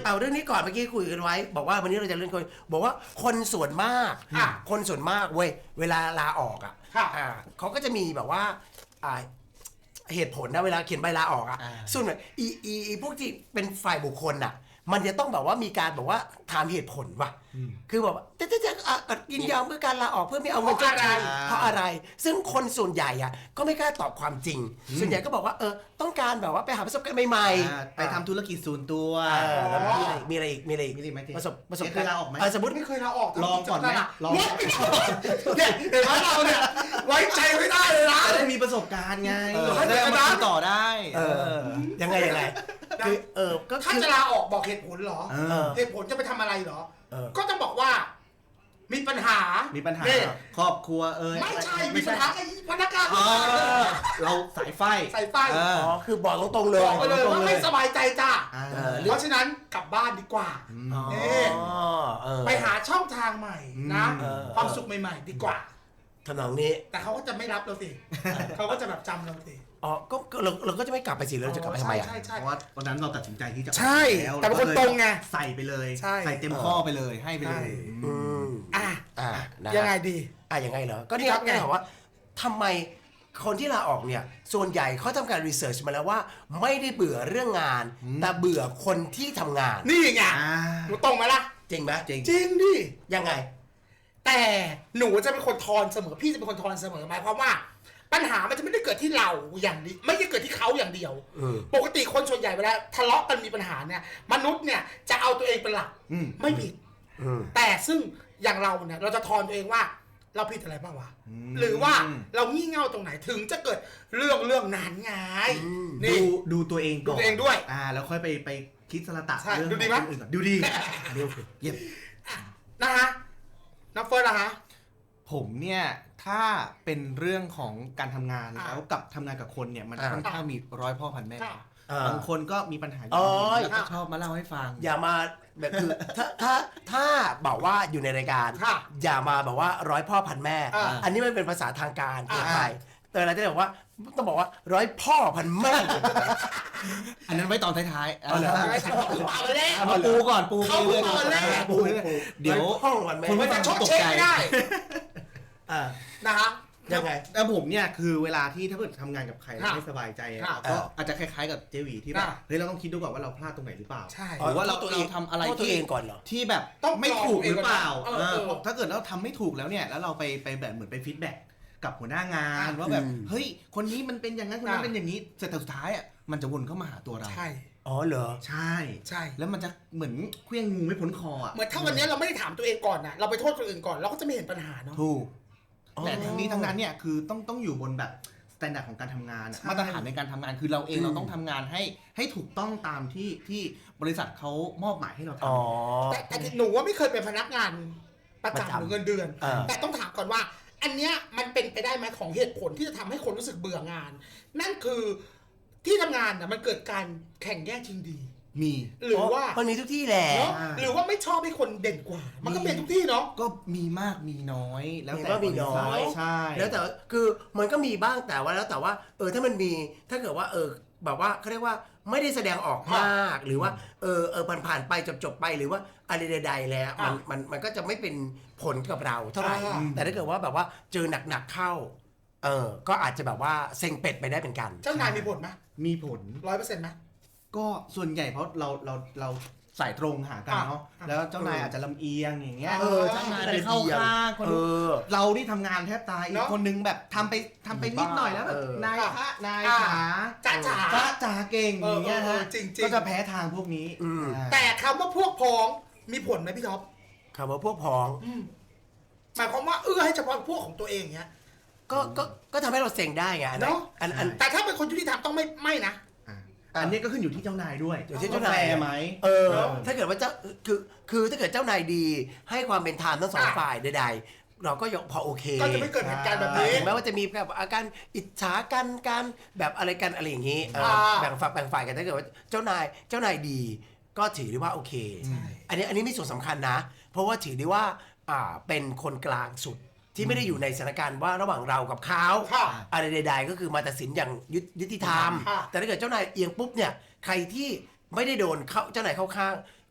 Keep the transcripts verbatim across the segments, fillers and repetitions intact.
เอาเรื่องนี้ก่อนเมื่อกี้คุยกันไว้บอกว่าวันนี้เราจะเรื่องคนบอกว่าคนส่วนมากคนส่วนมากเว้ยเวลาลาออกอ่ะเขาก็จะมีแบบว่าเหตุผลนะเวลาเขียนใบลาออกอ่ะส่วนอีอีพวกที่เป็นฝ่ายบุคคลอ่ะมันจะต้องแบบว่ามีการบอกว่าถามเหตุผลว่ะคือแบบจะจะจะยินยอมเพื่อการลาออกเพื่อไม่เอาเงินจ้างเพราะอะไรซึ่งคนส่วนใหญ่อ่ะก็ไม่กล้าตอบความจริงส่วนใหญ่ก็บอกว่าเออต้องการแบบว่าไปหาประสบการณ์ใหม่ๆไปทำธุรกิจส่วนตัวมีอะไรอีกมีอะไรอีกมีอะไรอีกประสบประสบการณ์ลาออกไหมสมมติไม่เคยลาออกลองก่อนไหมลองเนี่ยเห็นไหมเราเนี่ยไว้ใจไม่ได้เลยนะได้มีประสบการณ์ไงได้มาต่อได้ยังไงยังไงคือเออก็ถ้าจะลาออกบอกเหตุผลเหรอเหตุผลจะไปทำอะไรเหรอก็จะบอกว่ามีปัญหามีปัญหาครอบครัวเอ้ยไม่ใช่มีปัญหาไอ้พนักงานเราสายไฟสายไฟอ๋อคือบอกตรงๆเลยบอกเลยว่าไม่สบายใจจ้าเพราะฉะนั้นกลับบ้านดีกว่าไปหาช่องทางใหม่นะความสุขใหม่ๆดีกว่าทำนองนี้แต่เขาก็จะไม่รับเราสิเขาก็จะแบบจำเราสิอ๋อก็เราเราก็จะไม่กลับไปสิเราจะกลับไปทำไมอ่ะเพราะว่าวันนั้นเราตัดสินใจที่จะใช่แต่เป็นคนตรงไงใส่ไปเลยใส่เต็มข้อไปเลยให้ไปเลยอ่ะอ่ะยังไงดีอ่ะยังไงเหรอก็นี่ครับไงว่าทำไมคนที่ลาออกเนี่ยส่วนใหญ่เขาทำการรีเสิร์ชมาแล้วว่าไม่ได้เบื่อเรื่องงานแต่เบื่อคนที่ทำงานนี่ไงหนูตรงไหมล่ะจริงไหมจริงจริงดิยังไงแต่หนูจะเป็นคนทอนเสมอพี่จะเป็นคนทอนเสมอหมายความว่าปัญหามันจะไม่ได้เกิดที่เราอย่างนี้ไม่ได้เกิดที่เขาอย่างเดียวปกติคนส่วนใหญ่เวลาทะเลาะกันมีปัญหาเนี่ยมนุษย์เนี่ยจะเอาตัวเองเป็นหลักไม่ผิดแต่ซึ่งอย่างเราเนี่ยเราจะทอนตัวเองว่าเราผิดอะไรบ้างวะหรือว่าเรางี่เง่าตรงไหนถึงจะเกิดเรื่องเรื่องนั้นไงดูดูตัวเองก่อนดูตัวเองด้วยอ่าแล้วค่อยไปไปคิดสละตะเรื่องอื่นก่อนดูดีเยี่ยมนะฮะน้ำเฟิร์สนะฮะผมเนี่ยถ้าเป็นเรื่องของการทำงานแล้วกับทำงานกับคนเนี่ยมันค่อนข้างมีร้อยพ่อพันแม่บางคนก็มีปัญหาอยู่แล้วก็ชอบมาเล่าให้ฟังอย่ามาแบบคือถ้าถ้าถ้าบอกว่าอยู่ในรายการอย่ามาบอกว่าร้อยพ่อพันแม่อันนี้มันเป็นภาษาทางการเกินไปแต่เราจะบอกว่าต้องบอกว่าร้อยพ่อพันแม่อันนั้นไว้ตอนท้ายๆเอาเลยมาปูก่อนปูเรื่อยๆปูเดี๋ยวคนไม่จะชดเชยไม่ได้นะฮะยังไงแต่ผมเนี่ยคือเวลาที่ถ้าเกิดทำงานกับใครไม่สบายใจก็อาจจะคล้ายๆกับเจวีที่แบบเฮ้ยเราต้องคิดดูก่อนว่าเราพลาดตรงไหนหรือเปล่าหรือว่าเราตัวเองทำอะไรที่ที่แบบไม่ถูกหรือเปล่าถ้าเกิดเราทำไม่ถูกแล้วเนี่ยแล้วเราไปไปแบบเหมือนไปฟีดแบ็กกับหัวหน้างานว่าแบบเฮ้ยคนนี้มันเป็นอย่างนั้นคนนั้นเป็นอย่างนี้เสร็จสุดท้ายอ่ะมันจะวนเข้ามาหาตัวเราใช่อ๋อเหรอใช่ใช่แล้วมันจะเหมือนเคลื่อนงูไม่พ้นคออ่ะเหมือนถ้าวันนี้เราไม่ได้ถามตัวเองก่อนนะเราไปโทษคนอื่นก่อนเราก็จะไม่เห็นปัญหาเนาะถูกแต่ทั้งนี้ทั้งนั้นเนี่ยคือต้องต้องอยู่บนแบบมาตรฐานของการทำงานมาตรฐานในการทำงานคือเราเองเราต้องทำงานให้ให้ถูกต้องตามที่ที่บริษัทเขามอบหมายให้เราทำแต่แต่หนูว่าไม่เคยเป็นพนักงานประจำหรือเงินเดือนแต่ต้องถามก่อนว่าอันเนี้ยมันเป็นไปได้ไหมของเหตุผลที่จะทำให้คนรู้สึกเบื่องานนั่นคือที่ทำงานน่ะมันเกิดการแข่งแย่งชิงดีมีหรือว่ามันมีทุกที่แหละหรือว่าไม่ชอบให้คนเด่นกว่ามันก็เป็นทุกที่เนาะก็มีมากมีน้อยแล้วแต่มีน้อยใช่แล้วแต่คือมันก็มีบ้างแต่ว่าแล้วแต่ว่าเออถ้ามันมีถ้าเกิดว่าเออแบบว่าเขาเรียกว่าไม่ได้แสดงออกมากหรือว่าเออเออผ่านผ่านไปจบจบไปหรือว่าอะไรใดๆแล้วมันมันมันก็จะไม่เป็นผลกับเราเท่าไหร่แต่ถ้าเกิดว่าแบบว่าเจอหนักๆเข้าเออก็อาจจะแบบว่าเซ็งเป็ดไปได้เป็นกันเจ้านายมีผลไหมมีผลร้อยเปอร์เซ็นต์ไหมก็ส่วนใหญ่เพราะเราเราเราสายตรงหากันเนาะแล้วเจ้านายอาจจะลำเอียงอย่างเงี้ยเออเจ้านายไปเข้าข้างคนเราที่ทำงานแทบตายอีกคนนึงแบบทำไปทำไปนิดหน่อยแล้วแบบนายพระนายขาจ้าจ๋าจ้าจ๋าเก่งอย่างเงี้ยฮะก็จะแพ้ทางพวกนี้แต่คำว่าพวกพ้องมีผลไหมพี่ท็อปคำว่าพวกพ้องหมายความว่าเอื้อให้เฉพาะพวกของตัวเองเงี้ยก็ก็ก็ทำให้เราเซ็งได้ไงเนาะแต่ถ้าเป็นคนยุติธรรมต้องไม่ไม่นะอันนี้ก็ขึ้นอยู่ที่เจ้านายด้วยอยู่ที่เจ้านายไหมเออถ้าเกิดว่าเจ้าคือคือถ้าเกิดเจ้านายดีให้ความเป็นธรรมทั้งสองฝ่ายใดๆเราก็ยพอโอเคก็จะไม่เกิดเหตุการณ์แบบนี้ถึงแม้ว่าจะมีแบบอาการอิจฉากันการแบบอะไรกันอะไรอย่างนี้แบ่งฝักแบ่งฝ่ายกันถ้าเกิดว่าเจ้านายเจ้านายดีก็ถือได้ว่าโอเคอันนี้อันนี้มีส่วนสำคัญนะเพราะว่าถือได้ว่าอ่าเป็นคนกลางสุดที่ไม่ได้อยู่ในสถานการณ์ว่าระหว่างเรากับเขาอะไรใดๆก็คือมาตัดสินอย่างยุติธรรมแต่ถ้าเกิดเจ้านายเอียงปุ๊บเนี่ยใครที่ไม่ได้โดนเขาเจ้านายเข้าข้าง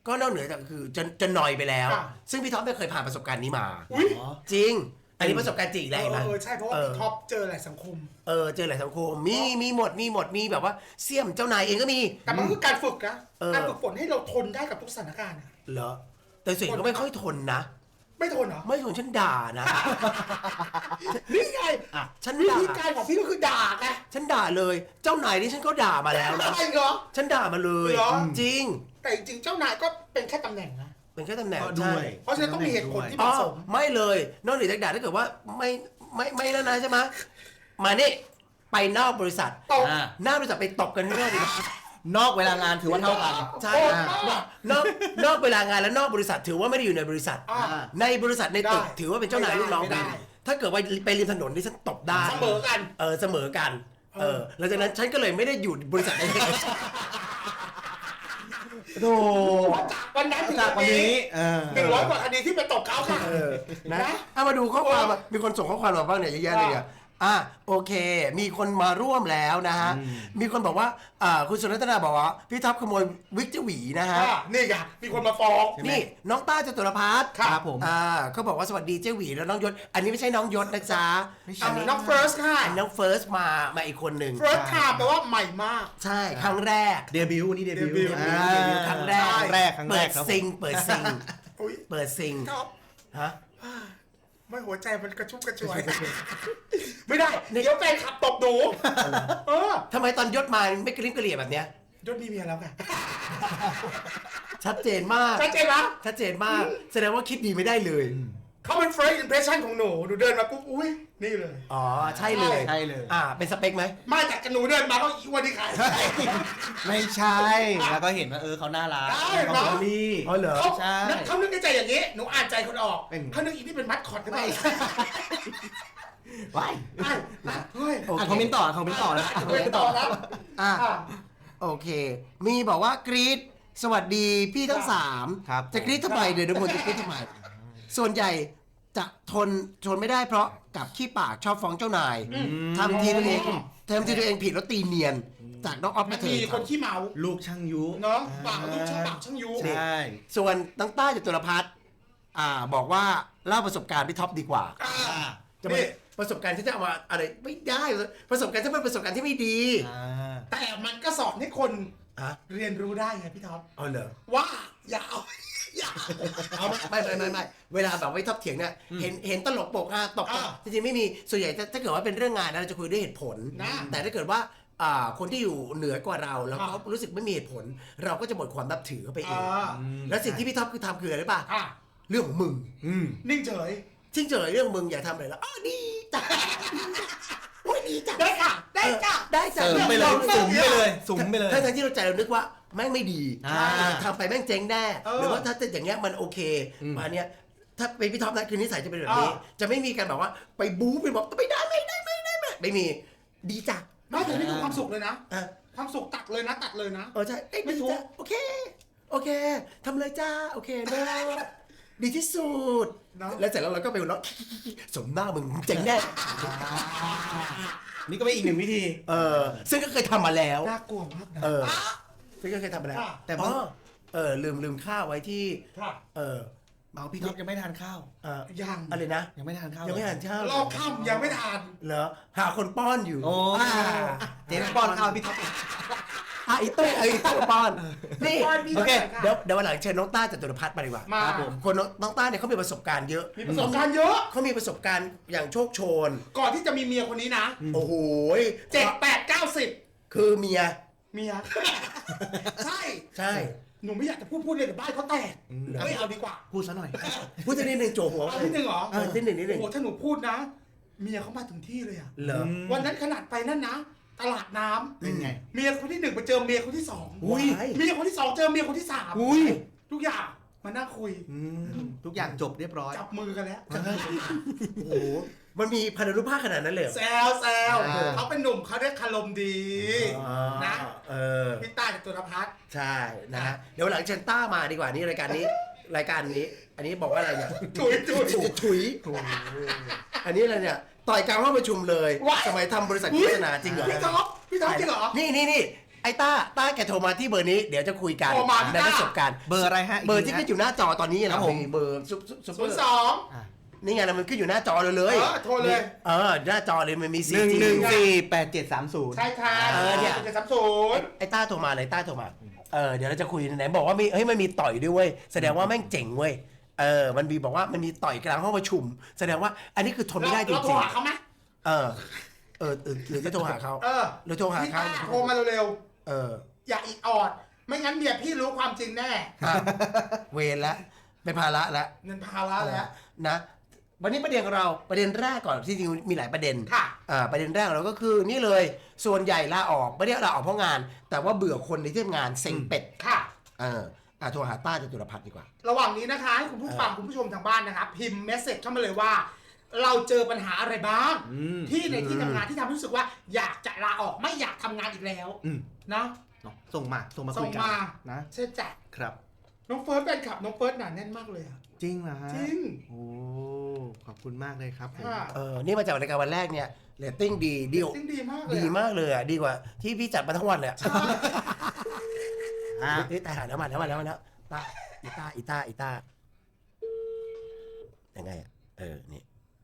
ก็นอกเหนือจากคือจะจะนอยไปแล้ว ซึ่งพี่ท็อปไม่เคยผ่านประสบการณ์นี้มาอุ้ยจริง อันนี้ประสบการณ์จริงเอเลยอนะเออใช่เพราะว่าพี่ท็อปเจอหลายสังคมเออเจอหลายสังคมมีมีหมดมีหมดมีแบบว่าเสี่ยมเจ้านายเองก็มีแต่มันคือการฝึกนะเออการฝึกฝนให้เราทนได้กับทุกสถานการณ์อะเหรอแต่ส่วนใหญ่ก็ไม่ค่อยทนนะไม่ทนเหรอไม่ทนฉันด่านะนี่ไงฉันวิด่าธีการของพี่ก็คือด่าไงฉันด่าเลยเจ้านายนี่ฉันก็ด่ามาแล้วนะอะไรเหรอฉันด่ามาเลยเหรอจริงแต่จริงๆเจ้านายก็เป็นแค่ตำแหน่งนะเป็นแค่ตำแหน่งก็ด้ใช่วยเพราะฉะนั้นต้องมีเหตุผลที่เหอ๋อมาะสมไม่เลยนอกเหนือจากด่าถ้าเกิดว่าไม่ไม่ไม่แล้วนะใช่ไหมมานี่ไปนอกบริษัทตบอ่าหน้าบริษัทไปตบกันที่นอกบริษัทนอกเวลางานถือว่าเท่ากันใช่โอ้อ่ะมากนอกนอกเวลางานและนอกบริษัทถือว่าไม่ได้อยู่ในบริษัทอ่าในบริษัทในตึกได้ถือว่าเป็นเจ้านายลูกน้องกันไม่ได้ถ้าเกิดว่าไปริมถนนนี่ฉันตบได้เสมอกันเออเสมอกัน เออหลังจากนั้นฉันก็เลยไม่ได้อยู่บริษัทนี้โธ่จากวันนั้นถึงจากวัวัน นนี้นี้เออหนึ่งร้อยกว่าคดีที่ไปตบเขาค่ะเออนะนะเอามาดูข้อความมามีคนส่งข้อความมาบ้างเนี่ยเยอะแยะเลยอ่ะอ่ะโอเค มีคนมาร่วมแล้วนะฮะ มีคนบอกว่าอ่าคุณสุรัตนาบอกว่าพี่ท็อปขโมยวิกเจหวีนะฮะอ่ะนี่ไงมีคนมาฟ้องนี่น้องต้าจตุรพัฒน์ครับครับผมอ่าเขาบอกว่าสวัสดีเจ้หวีแล้วน้องยศ อันนี้ไม่ใช่น้องยศนะจ๊ะอ่ะน้องเฟิร์สค่ะอันน้องเฟิร์สมามาอีกคนหนึ่งเฟิร์สไทม์แปลว่าใหม่มากใช่ครั้งแรกเดบิวต์นี่เดบิวต์เดบิวต์อ่าเดบิวต์ครั้งแรกครั้งแรกครั้งแรเปิกดครับซิงเปิดซิงอุ้ยเปิดซิงท็อปฮะไม่หัวใจมันกระชุ่มกระชวย ไม่ได้เดี๋ยวแฟนขับตบหนูเออทำไมตอนยศมาไม่กระลิ้มกระเหลี่ยแบบเนี้ยยศมีเมียแล้วไงชัดเจนมากชัดเจนปะชัดเจนมาก แสดงว่าคิดดีไม่ได้เลยเขาเป็น first impression ของหนูหนูเดินมาปุ๊บอุ้ยนี่เลยอ๋อ ใช่เลยใช่เลยอ่า เป็นสเปคไหมมาจากกันหนูเดินมาก็อีวันที่ขายไม่ใช่ แล้วก็เห็นว่าเออเขาน่ารักได้เขาเนอะเฟรนลี่อ๋อเหรอเขาใช่เขานึกในใจอย่างนี้หนูอ่านใจคนออกเป็นเขานึกอีนี่เป็นมัดคอตหรือเปล่าว้ายอ่ะเฮ้ยโอเคอ่านคอมเมนต์ต่ออ่านคอมเมนต์ต่อแล้วเฮ้ยต่อแล้วอ่ะอ่ะโอเค มีบอกว่ากรีดสวัสดีพี่ทั้งสามครับจะกรีดทำไมเดี๋ยวเดี๋ยวผมจะกรีดทำไม ส่วนใหญ่จะทนทนไม่ได้เพราะกับขี้ปากชอบฟ้องเจ้านายทำทีตัวเองทำทีตัวเองผิดแล้วตีเนียน จากน้องออฟมัมาน เถิมีดคนขี้เมาลูกช่างยุเนาะปากลูกช่างปากช่างยุใช่ส่วนน้องต้าจตุรพัฒน์อ่าบอกว่าเล่าประสบการณ์พี่ท็อปดีกว่าอ่ะจะไม่ประสบการณ์ที่จะเอามาอะไรไม่ได้ประสบการณ์ที่เป็นประสบการณ์ที่ไม่ดีอ่าแต่มันก็สอนให้คนฮะเรียนรู้ได้ไงพี่ท็อปเอาเหรอว่าอย่าเอาอย่าเอาไม่ไม่ไม่ไม่เวลาแบบไว้ท็อปเถียงเนี่ยเห็นเห็นตลกโปกฮาตบอ่าจริงๆไม่มีส่วนใหญ่ถ้าถ้าเกิดว่าเป็นเรื่องงานนะเราจะคุยด้วยเหตุผลนะแต่ถ้าเกิดว่าอ่าคนที่อยู่เหนือกว่าเราแล้วอ่าเขารู้สึกไม่มีเหตุผล เราก็จะหมดความนับถือเข้าไปเองอ่าแล้วสิ่งที่พี่ท็อปคือทำคืออะไรรู้ป่ะอ่ะเรื่องของมึงอืมนิ่งเฉยทิ้งเฉยเรื่องมึงอย่าทำอะไรแล้วอ๋อดีจ้ะโอ้ยดีจ้ะได้ค่ะ ได้จ้ะได้จ้ะเสริมไปเลยสุมไปเลยสุมไปเลยทั้งทั้งที่เราใจเรานึกว่าแม่งไม่ดีอ่าทำไปแม่งเจ๊งแน่เออหรือว่าถ้าจะอย่างเงี้ยมันโอเคอืมมาเนี้ยถ้าเป็นพี่ท็อปนะคือนิสัยจะเป็นแบบนี้อ่าจะไม่มีการแบบว่าไปบู๊ไปบอกไม่ได้ไม่ได้ไม่ได้ไม่ได้ไม่มีดีจ้ะไม่แต่นี่คือความสุขเลยนะอ่ะความสุขตัดเลยนะ ตัดเลยนะเออใช่เอ้ยไม่ดีทุกจ้ะโอเคโอเคทำเลยจ้าโอเคเนอะดีที่สุดเนอะแล้วเสร็จแล้วเราก็ไปหัวเราะสมหน้ามึงเจ๋งแน่นี่ก็เป็นอีกหนึ่งวิธีเออซึ่งก็เคยทำมาแล้วน่ากลัวมากนะเออซึ่งก็เคยทำมาแล้วค่ะแต่อ๋อเออลืมลืมข้าวไว้ที่ค่ะเออเอาพี่ท็อปยังไม่ทานข้าวเออยังอะไรนะยังไม่ทานข้าวยังไม่ทานข้าวรอบค่ำยังไม่ทานเหรอหาคนป้อนอยู่โอ้อ่าเจ๊ป้อนข้าวพี่ท็อปอ่ะไอ้ตุ้ยไอ้ตุ้ยป้อนนี่ป้อนพี่โอเคค่ะเดี๋ยวเดี๋ยววันหลังเชิญน้องต้าจตุรพัฒน์มาดีกว่ามาครับผมคนน้องน้องต้าเนี่ยเขามีประสบการณ์เยอะมีประสบการณ์เยอะเขามีประสบการณ์อย่างโชคโชนก่อนที่จะมีเมียคนนี้นะโอ้โหเจ็ดแปดเก้าสิบคือเมียเมีย ใช่ใช่หนูไม่อยากจะพูดพูดเลยเดี๋ยวบ้านเขาแตกไม่เอาดีกว่าพูดซะหน่อยพูดจะนิดนึงโจหัวเอานิดนึงเหรอเออนิดหนึ่งนิดหนึ่งโอ้โหถ้าหนูพูดนะ เมียเขามาถึงที่เลยอะเหรอวันนั้นขนาดไปนั่นนะ ตลาดน้ำเป็นไงเมียคนที่หนึ่งไปเจอเมียคนที่สองอุ้ยเมียคนที่สองเจอเมียคนที่สามอุ้ยทุกอย่างมานั่งคุยอืมทุกอย่างจบเรียบร้อยจับมือกันแล้วโอ้โหมันมีพันธุภาคขนาดนั้นเลยเหรอแซวแซวอ่าเขาเป็นหนุ่มเขาเรียกคารมดีอ๋อนะเออพี่ต้าจากตุลพัฒน์ใช่นะฮะเดี๋ยววันหลังเชิญต้ามาดีกว่านี่รายการนี้รายการนี้ อันนี้บอกว่าอะไรเนี่ยถุยถุยถุยอันนี้อะไรเนี่ยต่อยกลางห้องประชุมเลยว้ายสมัยทำบริษัทโฆษณาจริงเหรอพี่ท็อปพี่ท็อปจริงเหรอนี่นี่นี่ไอ้ต้าต้าแกโทรมาที่เบอร์นี้เดี๋ยวจะคุยกันโทรมาที่ในต้าประสบการณ์เบอร์อะไรฮะเบอร์ที่ขึ้นอยู่หน้าจอตอนนี้ครันะบผมเบอร์ซุปซุปซุปเปศูอนย์ร์สองอ่ะนี่ไงนะมันขึ้นอยู่หน้าจอเลยเลยเออโทรเลยเออหน้าจอเลยมันมีหซีนึ่งจีหนึ่งสี่แปดเจ็ดสามศูนย์ใช่ค่ะเออเนี่ยเจ็ดสามศูนย์ไอ้ต้าโทรมาเลยต้าโทรมาเออเดี๋ยวเราจะคุยไหนบอกว่ามีเฮ้ยมันมีต่อยด้วยเว้ยแสดงว่าแม่งเจ๋งเว้ยเออมันมีบอกว่ามันมีต่อยกลางห้องประชุม แสดงว่าอันนี้คือทนไม่ได้จเราโทรริงหาเขาไหมๆเออเออเออหรือจะโทรหาเขาเออหรือโทรหาพี่เขาต้าโทรมาเร็วเออๆอย่าอีกออด ไม่งั้นเมียพี่รู้ความจริงแน่อ่ะเวรแล้วเป็นภาระแล้วเงินภาระแล้วนะวันนี้ประเด็นของเราประเด็นแรกก่อนที่จริงมีหลายประเด็นค่ะอ่าประเด็นแรกของเราก็คือนี่เลยส่วนใหญ่ลาออกไม่ได้ลาออกเพราะงาน แต่ว่าเบื่อคนในที่ทำงานเซ็งเป็ดค่ะเอออ่ะโทรหาต้าจตุรพัฒน์ดีกว่าระหว่างนี้นะคะให้คุณผู้ฟังคุณผู้ชมทางบ้านนะครับพิมพ์เมสเซจเข้ามาเลยว่า เราเจอปัญหาอะไรบ้างอืมที่ในที่ทำงานที่ทำให้รู้สึกว่าอยากจะลาออกไม่อยากทำงานอีกแล้วอืมนะเนาะส่งมาส่งมาส่คุงยกันมานะใช่จ้ะครับน้องเฟิร์สแฟนคลับน้องเฟิร์สหนาแน่นมากเลยอะจริงเหรอฮะจริงโอ้ขอบคุณมากเลยครับผมค่ะเออนี่มาจากรายการวันแรกเนี่ยเรตติ้งดีดีจริงดีมากเลยดีอะมากเลยอ่ะดีกว่าที่พี่จัดมาทั้งวันเลยอะอ่ะเฮ้ยตายหาแล้วมาแล้วมาแล้วมาแล้วต้าอีต้าอีต้าอีต้ายังไงอ่ะเออนี่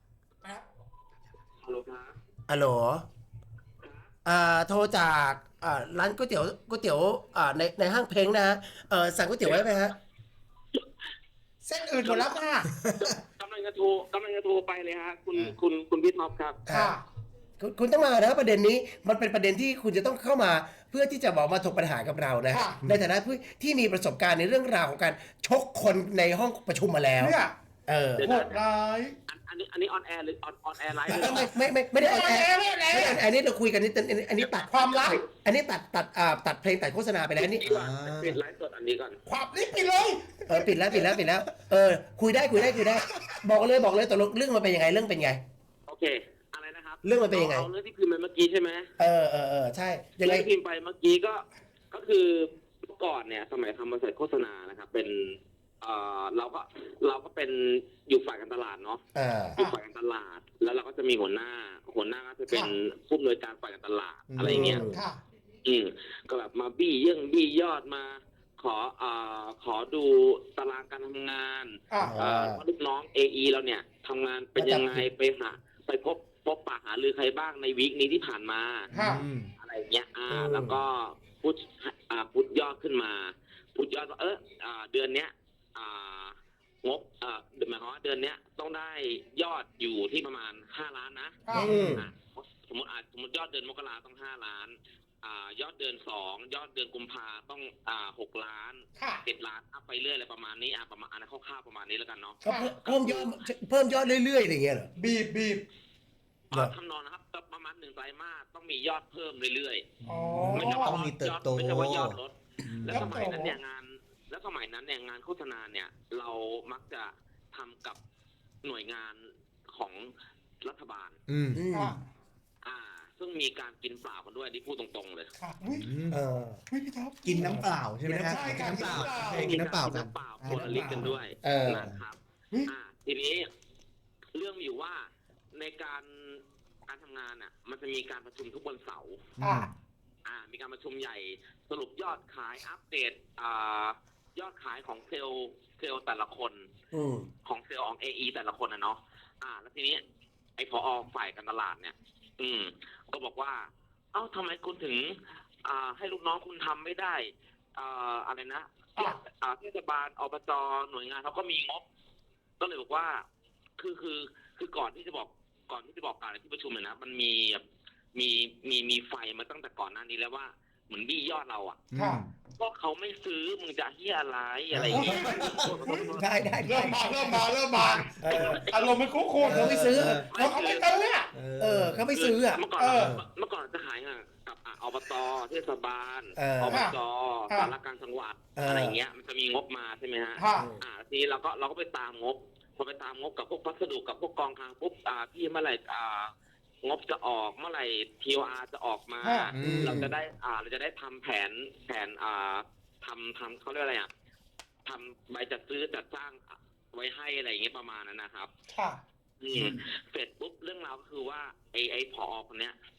ฮัลโหลครับอัลโหลอ่าโทรจากอ่าร้านก๋วยเตี๋ยวก๋วยเตี๋ยวอ่าในในห้างเพลงนะฮะเออสั่งก๋วยเตี๋ยวไว้ไหมฮะเส้นอื่นหมดแล้วค่ะกำลังจะโทรกำลังจะโทรไปเลยฮะคุณคุณคุณพี่ท็อปครับค่ะคุณคุณต้องมานะประเด็นนี้มันเป็นประเด็นที่คุณจะต้องเข้ามาเพื่อที่จะบอกมาถกปัญหากับเรานะค่ะในฐานะผู้ที่มีประสบการณ์ในเรื่องราวของการชกคนในห้องประชุมมาแล้วเนี่ยเออโหดร้ายอันอันนี้อันนี้ออนแอร์หรือออนออนแอร์ไลฟ์ไม่ไม่ไม่ไม่ได้ออนแอร์ไม่ได้ออนแอร์ไม่ได้ออนแอร์อันนี้เราคุยกันนี่อันนี้อันนี้ตัดความลับอันนี้ตัดตัดอ่าตัดเพลงตัดโฆษณาไปแล้วอันนี้ดีกว่าปิดไลฟ์สดอันนี้ก่อนความลิบไปเลยเออปิดแล้วปิดแล้วปิดแล้วเออคุยได้คุยได้คุยได้ บอกเลยบอกเลยตกลงเรื่องมันเป็นยังไงเรื่องเป็นไงโอเคอะไรนะครับเรื่องมันเป็นยังไงเอาเรื่องที่พิมพ์ไปเมื่อกี้ใช่ไหมเออเออเออใช่ยังไงเรื่องที่พิมพ์ไปเมื่อกี้ก็ก็คือเมื่อก่อนเนี่ยสมัยทำบริษัทโฆษณานะครับเป็นเอ่อเราก็เราก็เป็นอยู่ฝ่ายการตลาดเนาะอ่าอยู่ฝ่ายการตลาด แล้วเราก็จะมีหัวหน้า หัวหน้าก็จะเป็นผู้อำนวยการฝ่ายการตลาดอะไรอย่างเงี้ยค่ะอืมก็แบบมาบี้เยื่องบี้ยอดมา ขอเอ่อขอดูตารางการทำงานอ่าเอ่อว่าลูกน้อง เอ อี เราเนี่ยทำงานเป็นยังไงไปหาไปพบพบปะหารือใครบ้างในวีคนี้ที่ผ่านมาค่ะอืมอะไรอย่างเงี้ยอ่าอืมแล้วก็พูดอ่าพูดยอดขึ้นมาพูดยอดว่าเอออ่าเดือนเนี้ยอ่างบอ่าหมายความว่าเดือนเนี้ยต้องได้ยอดอยู่ที่ประมาณห้าล้านนะค่ะอืมอ่ะสมมติอ่ะสมมติยอดเดือนมกราต้องห้าล้านอ่ายอดเดือนสองยอดเดือนกุมภาต้องอ่าหกล้านค่ะเจ็ดล้านอัพไปเรื่อยอะไรประมาณนี้อ่ะประมาณอันนั้นคร่าวๆประมาณนี้แล้วกันเนาะก็เพิ่มเพิ่มยอดเพิ่มยอดเรื่อยๆอะไรอย่างเงี้ยเหรอบีบบีบเหรอทำนองนะครับประมาณหนึ่งไตรมาสต้องมียอดเพิ่มเรื่อยอ๋อๆไม่ใช่ว่าต้องมีเติบโตไม่ใช่ว่ายอดลดแล้วยอสดโตมัยนั้นเนี่ยงาน แล้วสมัยนั้นเนี่ยงานโฆษณาเนี่ย เรามักจะทำกับหน่วยงานของรัฐบาลอืมอืมค่ะอ่า ซึ่งมีการกินเปล่ากันด้วยที่พูดตรงๆเลยค่ะอุ้ยเอออุ้ยพี่ท็อปกินน้ำเปล่าใช่ไหมฮะใช่ค่ะกินน้ำเปล่ากินน้ำเปล่ากินน้ำเปล่ากันน้ำเปล่าคนละลิตรกันด้วยเออนะครับเฮ้ยอ่า ทีนี้เรื่องมีอยู่ว่าในการการทำงานอ่ะ มันจะมีการประชุมทุกวันเสาร์อ่าอ่า มีการประชุมใหญ่สรุปยอดขายอัปเดตอ่ายอดขายของเซลล์เซลล์แต่ละคนอืมของเซลล์ของ เอ อี แต่ละคนนะเนาะอ่า แล้วทีนี้ไอ้พอฝ่ายการตลาดเนี่ย อืม ก็บอกว่า เอ้าทำไมคุณถึง อ่า ให้ลูกน้องคุณทำไม่ได้ อ่า อะไรนะอ่าเทศบาลอบจหน่วยงานเขาก็มีงบ ก็เลยบอกว่า คือคือคือก่อนที่จะบอกก่อนที่จะบอกกล่าวในที่ประชุมเนี่ยนะมันมีแบบมีมีมีไฟมาตั้งแต่ก่อนหน้านี้แล้วว่าเหมือนบี้ยอดเราอ่ะค่ะก็เขาไม่ซื้อมึงจะเฮียอะไรอะไรอย่างเงี้ยได้ได้ได้เริ่มมาเริ่มมาเริ่มมาเอออารมณ์มันคุ้นๆเขาไม่ซื้อเขาเขาไม่ซื้ออ่ะเออเขาไม่ซื้ออ่ะเมื่อก่อนเออเมื่อก่อนจะขายงานกับอ่ะอบตเทศบาลเอออบจค่ะสารกลารจังหวัดเออออะไรอย่างเงี้ยมันจะมีงบมาใช่ไหมฮะค่ะอ่าทีนี้เราก็เราก็ไปตามงบพอไปตามงบกับพวกพัสดุกับพวกกองคลังปุ๊บอ่าพี่เมื่อไหร่อ่างบจะออกเมื่อไหร่ ที โอ อาร์ จะออกมาค่ะเราจะได้อ่าเราจะได้ทำแผนแผนอ่าทำทำเขาเรียกอะไรอ่ะทำใบจัดซื้อจัดจ้างไว้ให้อะไรอย่างเงี้ยประมาณนั้นนะครับค่ะอืมเสร็จปุ๊บเรื่องราวก็คือว่าไอ้ไอ้ผอคนเนี้ย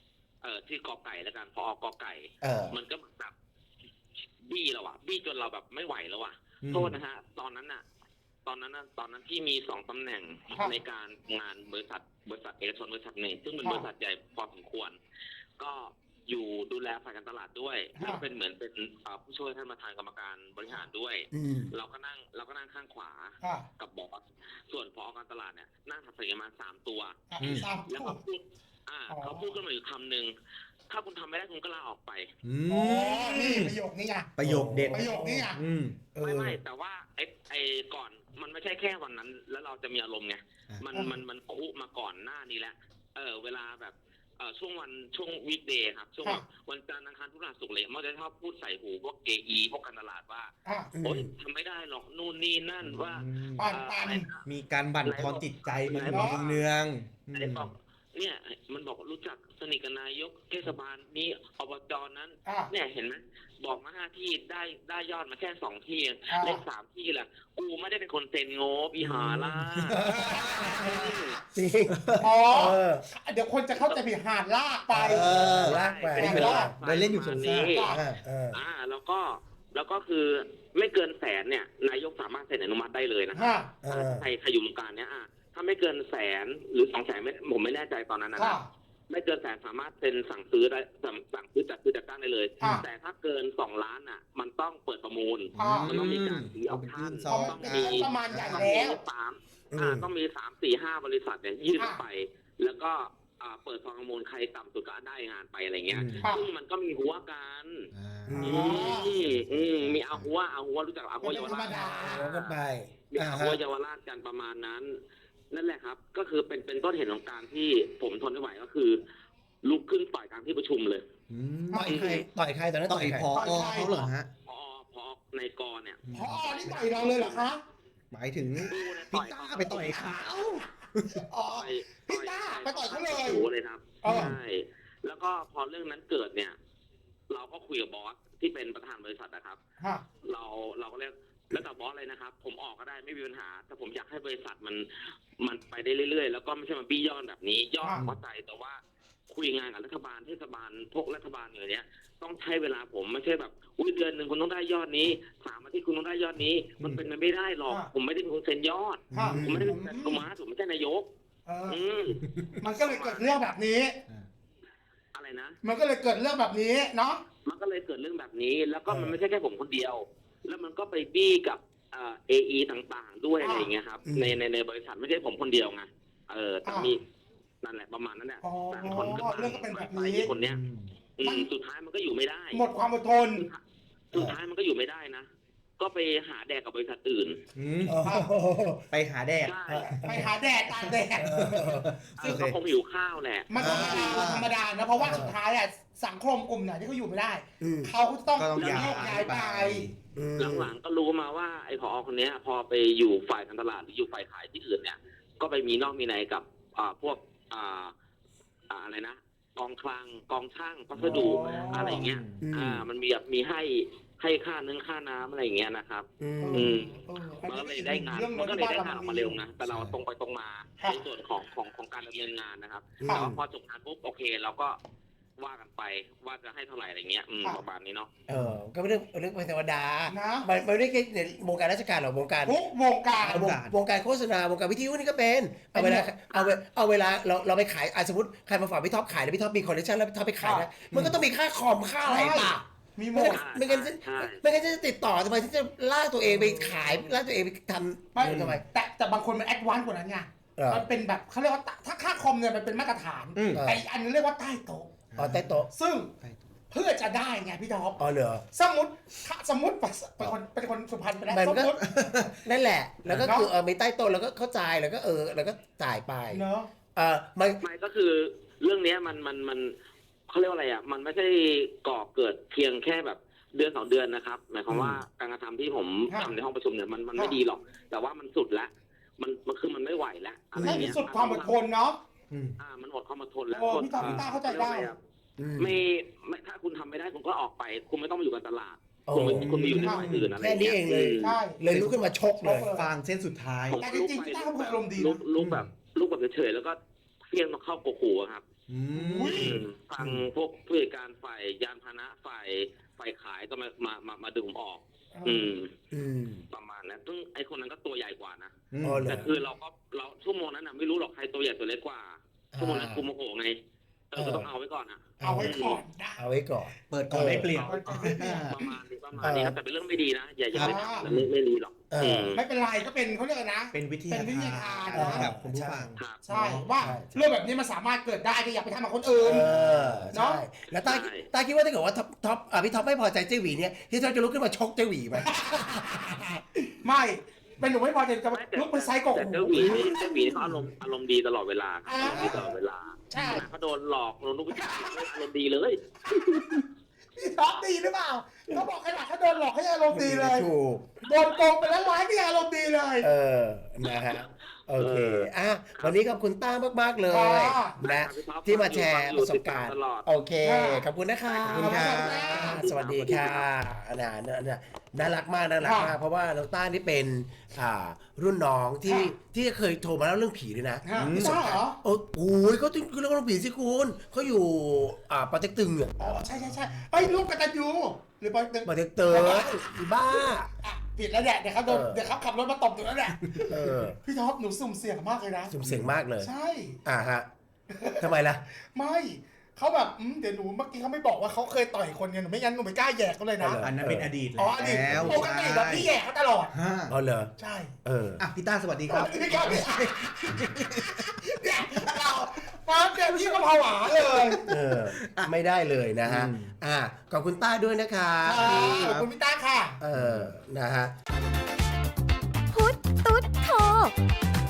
เออที่กอไก่แล้วกันพอกอไก่เออมันก็แบบบี้เราอะบี้จนเราแบบไม่ไหวแล้วอะโทษนะฮะตอนนั้นอะตอนนั้นนะตอนนั้นที่มีสองตำแหน่งในการงานบริษัทบริษัทเอกชนบริษัทหนึ่งซึ่งเป็นบริษัทใหญ่พอสมควรก็อยู่ดูแลฝ่ายการตลาดด้วยแล้วเป็นเหมือนเป็นผู้ช่วยท่านประธานกรรมการบริหารด้วยเราก็นั่งเราก็นั่งข้างขวากับบอสส่วนพอการตลาดเนี่ยนั่งถัดไปประมาณสามตัวแล้วก็พูดอ่าเขาพูดขึ้นมาอยู่คำหนึ่งถ้าคุณทำไม่ได้คุณก็ลาออกไปอ๋อนี่ประโยคนี้ไงประโยคเด็ดประโยคนี้ไงไม่ไม่แต่ว่าไอ้ไอ้ก่อนมันไม่ใช่แค่วันนั้นแล้วเราจะมีอารมณ์ไงมันมันมันคุมาก่อนหน้านี้แหละเออเวลาแบบเออช่วงวันช่วงวีคเดย์ครับช่วงวันจันทร์อังคารพฤหัสศุกร์เลยมันจะชอบพูดใส่หูพวกเกอีพวกการตลาดว่าโอ๊ยทำไม่ได้หรอกนู่นนี่นั่นว่ามีการบั่นทอนจิตใจมันเนืองไอ้บอกเนี่ยมันบอกรู้จักสนิทกับนายกเทศบาลนี้อบจนั้นเนี่ยเห็นไหมบอกมาห้าที่ได้ได้ยอดมาแค่สองที่เลขสามที่แหละกูไม่ได้เป็นคนเซ็นโง่ปีหาล่ะจริงอ๋อเดี๋ยวคนจะเข้าใจผิดหาดลากไปลากไปไปเล่นอยู่ส่วนนี้อ่าแล้วก็แล้วก็คือไม่เกินแสนเนี่ยนายกสามารถเซ็นอนุมัติได้เลยนะใครใครอยู่วงการเนี้ยอ่ะถ้าไม่เกินแสนหรือสองแสนไม่ผมไม่แน่ใจตอนนั้นนะไม่เกินแสนสามารถเป็นสั่งซื้อได้สั่งซื้อจัดซื้อจัดตั้งได้เลยแต่ถ้าเกินสองล้านอ่ะมันต้องเปิดประมูลมันต้องมีการถือเอาท่านต้องมีประมาณใหญ่แล้วสามอ่าต้องมีสามสี่ห้าบริษัทเนี่ยยื่นไปแล้วก็เปิดซองประมูลใครต่ำสุดก็ได้งานไปอะไรเงี้ยซึ่งมันก็มีหัวกันมีเอาหัวเอาหัวรู้จักเอาหัวเยาวราชกันไปมีเอาหัวเยาวราชกันประมาณนั้นนั่นแหละครับก็คือเป็นเป็นต้นเหตุของการที่ผมทนไม่ไหวก็คือลุกขึ้นต่อยกลางที่ประชุมเลยต่อยใครต่อยใครตอนนั้นต่อยพอเขาเหรอฮะพอพอในกอเนี่ยพอนี่ต่อยเราเลยเหรอคะหมายถึงพี่ต้าไปต่อยเขาอ๋อพี่ต้าไปต่อยเขาเลยเลยครับใช่แล้วก็พอเรื่องนั้นเกิดเนี่ยเราก็คุยกับบอสที่เป็นประธานบริษัทนะครับเราเราก็เรียกแล้วแต่บอสเลยนะครับผมออกก็ได้ไม่มีปัญหาแต่ผมอยากให้บริษัทมันมันไปได้เรื่อยๆแล้วก็ไม่ใช่มาบี้ยอดแบบนี้ยอดเข้าใจแต่ว่าคุยงานกับรัฐบาลเทศบาลพวกรัฐบาลอย่างเนี้ยต้องใช้เวลาผมไม่ใช่แบบอุ้ยเดือนหนึ่งคุณต้องได้ยอดนี้สามอาทิตย์คุณต้องได้ยอดนี้มันเป็นไปไม่ได้หรอกผมไม่ได้เป็นคนเซ็นยอดผมไม่ได้เป็นกรรมการผมไม่ใช่นายกมันก็เลยเกิดเรื่องแบบนี้อะไรนะมันก็เลยเกิดเรื่องแบบนี้เนาะมันก็เลยเกิดเรื่องแบบนี้แล้วก็มันไม่ใช่แค่ผมคนเดียวแล้วมันก็ไปบี้กับเอ่อ เอ อี ต่างๆด้วยอะไรอย่างเงี้ยครับในในในบริษัทไม่ใช่ผมคนเดียวไงเออแต่มีนั่นแหละประมาณนั้นแหละแต่คนก็เรื่องก็เป็นแบบนี้คนเนี้ยสุดท้ายมันก็อยู่ไม่ได้หมดความอดทนสุดท้ายมันก็อยู่ไม่ได้นะก็ไปหาแดกกับบริษัทอื่นไปหาแดกไปหาแดกตากแดดซึ่งเขาคงหิวข้าวแหละมันธรรมดาธรรมดานะเพราะว่าสุดท้ายอ่ะสังคมกลุ่มไหนที่เขาอยู่ไม่ได้เขาต้องโยกย้ายไปหลังๆก็รู้มาว่าไอ้ผอคนนี้พอไปอยู่ฝ่ายการตลาดหรืออยู่ฝ่ายขายที่อื่นเนี่ยก็ไปมีนอกมีในกับพวกอะไรนะกองคลังกองช่างพัสดุอะไรเงี้ยอ่ามันมีแบบมีให้ให้ค่าเนื้อค่าน้ำอะไรอย่างเงี้ยนะครับอืมมันก็เลยได้งานมันก็เลยได้งานออกมาเร็วนะแต่เราตรงไปตรงมาในส่วนของของของการดำเนินงานนะครับแต่ว่าพอจบงานปุ๊บโอเคเราก็ว่ากันไปว่าจะให้เท่าไหร่อะไรเงี้ยประมาณนี้เนาะเออก็ไม่เรื่องเรื่องเป็นธรรมดามันไม่ได้แค่ในวงการราชการหรอกวงการทุกวงการวงการโฆษณาวงการวิทยุนี่ก็เป็นเอาเวลาเอาเอาเวลาเราเราไปขายสมมติใครมาฝากพี่ท็อปขายแล้วพี่ท็อปมีคอลเลคชันแล้วพี่ท็อปไปขายนะมันก็ต้องมีค่าคอมค่าอะไรป่ะมีหมดไม่งั้นไม่งั้นจะติดต่อทำไมที่จะลากตัวเองไปขายลากตัวเองไปทำไม่ทำไมแต่แต่บางคนมันแอดวานซ์กว่านั้นไงมันเป็นแบบเขาเรียกว่าถ้าค่าคอมเนี่ยมันเป็นมาตรฐานแต่อันนึงเรียกว่าใต้โต๊ะอ๋อใต้โต๊ะซึ่งเพื่อจะได้ไงพี่ท็อปอ๋อเหรอสมมติถ้าสมมติเป็นคนเป็นคนสุพรรณไปแล้วสมมตินั่นแหละแล้วก็คือเออมีใต้โต๊ะแล้วก็เข้าใจแล้วก็เออแล้วก็จ่ายไปเนาะเออไม่ไม่ก็คือเรื่องนี้มันมันมันเขาเรียกว่าอะไรอ่ะมันไม่ใช่ก่อเกิดเพียงแค่แบบเดือนสองเดือนนะครับหมายความว่าการกระทำที่ผมทำในห้องประชุมเนี่ยมันมันไม่ดีหรอกแต่ว่ามันสุดแล้วมันมันคือมันไม่ไหวแล้วอะไรเงี้ยสุดความอดทนเนาะอ่ามันหมดความอดทนแล้วพี่ต้าพี่ต้าเข้าใจได้ไม่ไม่ถ้าคุณทำไม่ได้คุณก็ออกไปคุณไม่ต้องมาอยู่กับตลาดคุณคุณไปอยู่ในฝ่ายอื่นอะไรแค่นี้เองเลยเลยลุกขึ้นมาชกเลยฟางเส้นสุดท้ายแต่จริงๆพี่ต้าเขาพูดลมดีลุกลุกแบบลุกแบบเฉยๆแล้วก็เพี้ยงมาเข้าโกโก้ครับอืมอุ้ยทางพวกผู้จัดการฝ่ายยานพาหนะฝ่ายฝ่ายขายก็มามามามาดึงผมออก อืมอืมประมาณนั้นซึ่งไอคนนั้นก็ตัวใหญ่กว่านะอ๋อเหรแต่อคือเราก็เราชั่วโมงนั้นน่ะไม่รู้หรอกใครตัวใหญ่ตัวเล็กกว่าชั่วโมงนั้นกูโมโหไงเออก็ต้องเอาไว้ก่อนอ่ะเอาไว้ก่อนได้เอาไว้ก่อนเปิดก่อนได้เปลี่ยนเอาไว้ก่อนได้เปลี่ยนประมาณนี้ประมาณนี้ครับแต่เป็นเรื่องไม่ดีนะอย่าอย่าไปครับทำไม่ไม่ดีหรอกเอออืมไม่เป็นไรก็เป็นเขาเรียกอะไรนะเป็นวิทยาเป็นวิทยาทานทานนะครับคุณผู้ฟังครับใช่ว่าใช่เรื่องแบบนี้มันสามารถเกิดได้ก็อย่าไปทำกับคนอื่นเออเนาะใช่แล้วตาใช่ตาคิดว่าถ้าเกิดว่าท็อปท็อปอ่ะพี่ท็อปไม่พอใจเจ๊หวีเนี่ยพี่ท็อปจะลุกขึ้นมาชกเจ๊หวีไหมไม่เป็นหนูไม่พอใจจะไม่แต่ลุกไปไซส์กบแต่เจ้าหวีนี่เจ้าหวีนี่เขาอารมณ์อารมณ์ดีตลอดเวลาครับอารมณ์ดีตลอดเวลาใช่เขาโดนหลอกโดนลูกผู้ชายอารมณ์ดีเลยพี่ท็อปดีหรือเปล่าเขาบอกขนาดเขาโดนหลอกให้อารมณ์ดีเลยถูกโดนโกงไปแล้วร้ายก็ยังอารมณ์ดีเลยเออ นะฮะ โอเค อ่ะ วันนี้ขอบคุณต้ามาก ๆ เลยค่ะนะพี่ท็อปที่มาแชร์ประสบการณ์ตลอดโอเค ขอบคุณนะคะขอบคุณค่ะสวัสดีค่ะนะนะนะน่ารักมาก น่ารักมาก เพราะว่าน้องต้านี่เป็น อ่า รุ่นน้องที่ ที่เคยโทรมาเล่าเรื่องผีด้วยนะฮะพี่ต้าเหรอโอ้โหเขาถึงเรื่องผีสิคุณเขาอยู่ อ่าปาเต็กตึงอ่ะอ๋อใช่ใช่ใช่ไอ้ยลูกกตันยูหรือปอยตึงปาเต็กตึงบ้าอ่ะผิดแล้วเนี่ยเดี๋ยวเขาโดนเออเดี๋ยวเขาขับรถมาตบตัวแล้วเนี่ยเออพี่ท็อปหนูสุ่มเสี่ยงมากเลยนะสุ่มเสียงมากเลยใช่อ่าฮะทำไมล่ะไม่เขาแบบอืมเดี๋ยวหนูเมื่อกี้เขาไม่บอกว่าเขาเคยต่อยคนไงหนูไม่งั้นหนูไม่กล้าแหยกเขาเลยนะเอาเหรอันนั้นเป็นอดีตอ๋ออดีตแล้วปกติแบบพี่แหยกเขาตลอดฮะอ๋อเหรอใช่เอออ่ะพี่ต้าสวัสดีครับพี่ครับพี่เนี่ยเราฟ้าเดี๋ยวพี่ก็ผวาเลยเออ ไม่ได้เลยนะฮะอืมอ่า ขอบคุณต้าด้วยนะคะขอบคุณพี่ต้าค่ะเออ นะฮะพุทธตุ๊ดโท